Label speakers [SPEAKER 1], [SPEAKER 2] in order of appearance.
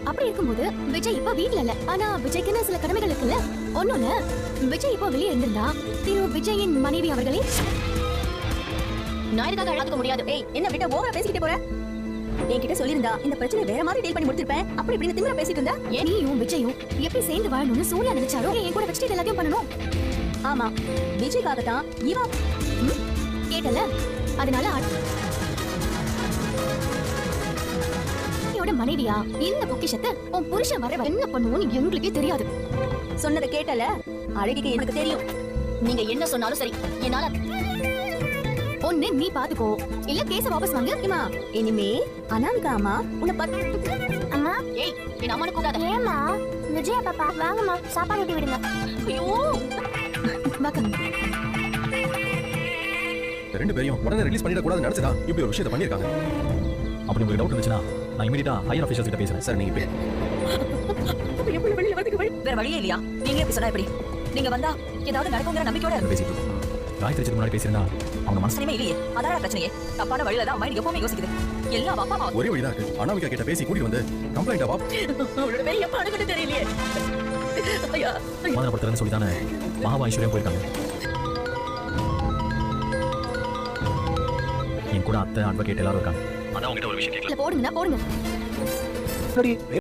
[SPEAKER 1] அப்படி இருக்கும்போது விஜய் இப்ப வீட்ல இல்ல. ஆனா விஜய்க்குன்னு சில கடமைகள் இருக்குல்ல. ஒண்ணுல விஜய் இப்ப வெளியே இருந்திருந்தா திரு விஜயின் மனைவி அவர்களே நான் இதுக்காக அழாதுக்க முடியாது.
[SPEAKER 2] ஏய், என்ன விட்ட ஓவரா பேசிக்கிட்டே போற? என்கிட்ட சொல்லிருந்தா இந்த பிரச்சனை வேற மாதிரி டீல் பண்ணி முடிச்சிருப்பேன். அப்படி இப்படின்னு திமிரா பேசிட்டு இருந்தா
[SPEAKER 1] நீயும் விஜயும் எப்படி சேர்ந்து வாழணும்னு சூர்யா நினைச்சாரோ என் கூட வச்சுட்டு எல்லாத்தையும் பண்ணணும்.
[SPEAKER 2] ஆமா, விஜய்க்காக தான் இவா
[SPEAKER 1] கேட்டல. அதனால மனைவியா இந்த பொக்கிஷத்தை உன் புருஷன் வர என்ன பண்ணுவோன்னு எங்களுக்கே தெரியாது.
[SPEAKER 2] சொன்னதை கேட்டல. அழகிக்கு எனக்கு தெரியும்.
[SPEAKER 1] நீங்க என்ன சொன்னாலும் சரி, என்னால ஒண்ணு நீ பாத்துக்கோ, இல்ல கேஸ வாபஸ் வாங்கு.
[SPEAKER 2] அம்மா, இனிமே அனாமிகா அம்மா உன்னை
[SPEAKER 1] அம்மா. ஏய், என் அம்மானு கூடாத. ஏமா விஜயா பாப்பா வாங்கம்மா, சாப்பாடு ஊட்டி விடுங்க. ஐயோ வாங்க.
[SPEAKER 3] ரெண்டு பேரையும் உடனே ரிலீஸ் பண்ணிட கூடாதுன்னு நினைச்சதா இப்படி ஒரு விஷயத்தை பண்ணிருக்காங்க.
[SPEAKER 4] அப்படி உங்களுக்கு டவுட் இருந்துச்சுன்னா நான் இமிடியேட்டா ஹையர் ஆஃபீஸர்ஸ் கிட்ட பேசுறேன்.
[SPEAKER 3] சார் நீங்க
[SPEAKER 2] வேற வழியே இல்லையா? நீங்க எப்படி சொன்னா எப்படி? நீங்க வந்தா ஏதாவது நடக்குங்கிற நம்பிக்கையோட
[SPEAKER 4] பேசிட்டு இருக்கோம். காயத்ரி முன்னாடி பேசியிருந்தா அவங்க மனசுலயுமே
[SPEAKER 2] இல்லையே. அதான் பிரச்சனையே. தப்பான வழியில தான் மைண்ட் எப்பவுமே யோசிக்குது. எல்லாம் அப்பா அம்மா
[SPEAKER 3] ஒரே வழிதான் இருக்கு. அனாமிகா கிட்ட பேசி கூட்டி வந்து கம்ப்ளைண்ட் ஆவா.
[SPEAKER 2] அவளோட பேர் எப்ப அணுகிட்டு தெரியலையே. ஐயா,
[SPEAKER 4] சமாதானப்படுத்துறேன்னு சொல்லி தானே மகாபா ஐஸ்வர்யம் போயிருக்காங்க. என் கூட அத்தை அட்வொகேட் எல்லாரும் இருக்காங்க. அதான் உங்ககிட்ட ஒரு விஷயம் கேட்கல.
[SPEAKER 1] போடுங்கண்ணா போடுங்க.